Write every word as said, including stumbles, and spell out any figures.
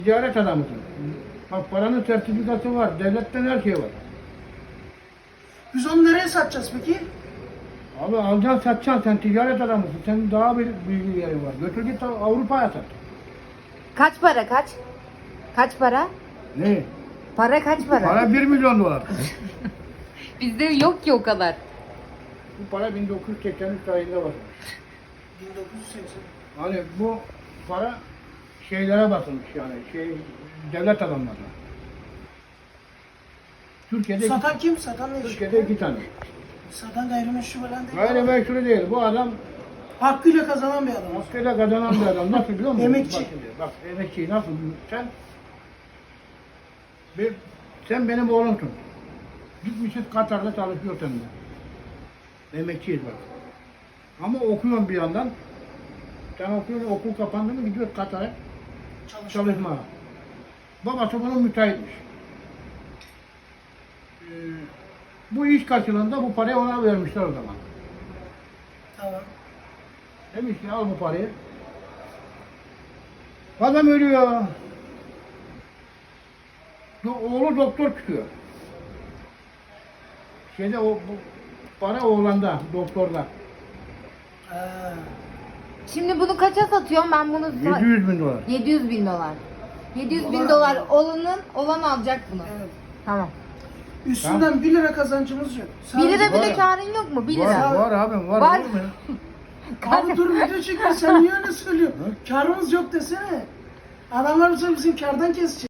Ticaret adamısın. Bak paranın sertifikası var, devletten her şey var. Biz onu nereye satacağız peki? Abi alacaksın satacaksın, sen ticaret adamısın. Senin daha bir bilgi yerin var. Götür git Avrupa'ya sat. Kaç para kaç? Kaç para? Ne? Para kaç para? Para bir milyon dolar. Bizde yok ki o kadar. Bu para bin dokuz yüz seksen üç tarihinde var. bin dokuz yüz seksen. Hani bu para şeylere basılmış yani, şey, devlet adamlarına. Türkiye'de Satan kim? Satan ne? Türkiye'de iki tane. Satan gayrimeşru falan değil. Gayrimeşru değil. Bu adam Hakkıyla kazanan bir adam. hakkıyla kazanan bir adam. Nasıl biliyor musun? Emekçi. Bak, şimdi, bak emekçi nasıl? Sen bir, sen benim oğlumsun. Gitmişiz Katar'da çalışıyor seninle. Emekçiyiz bak. Ama okuyorsun bir yandan. Sen okuyorsun, okul kapandı mı gidiyorsun Katar'a Çalışıyor. çalışmaya. Babası bunun müteahhitmiş. Ee, bu iş karşılığında bu parayı ona vermişler o zaman. Tamam. Demiş ki al bu parayı. Adam ölüyor. Do- Oğlu doktor çıkıyor. Şeyde o bu para oğlanda, doktorda. Ha. Şimdi bunu kaça satıyorum ben bunu? sa- yedi yüz bin dolar. yedi yüz bin dolar. yedi yüz bin Dolar dolar alıyor. olanın olan alacak bunu. Evet. Tamam. Üstünden bir lira kazancımız yok. bir lira var bile ya. karın yok mu? bir Var, lira. var abim, var. Var. Olur mu ya? Abi dur video çekiyor, sen niye öyle söylüyorsun? Karımız yok desene. Adamlar bize bizim kardan kesecek.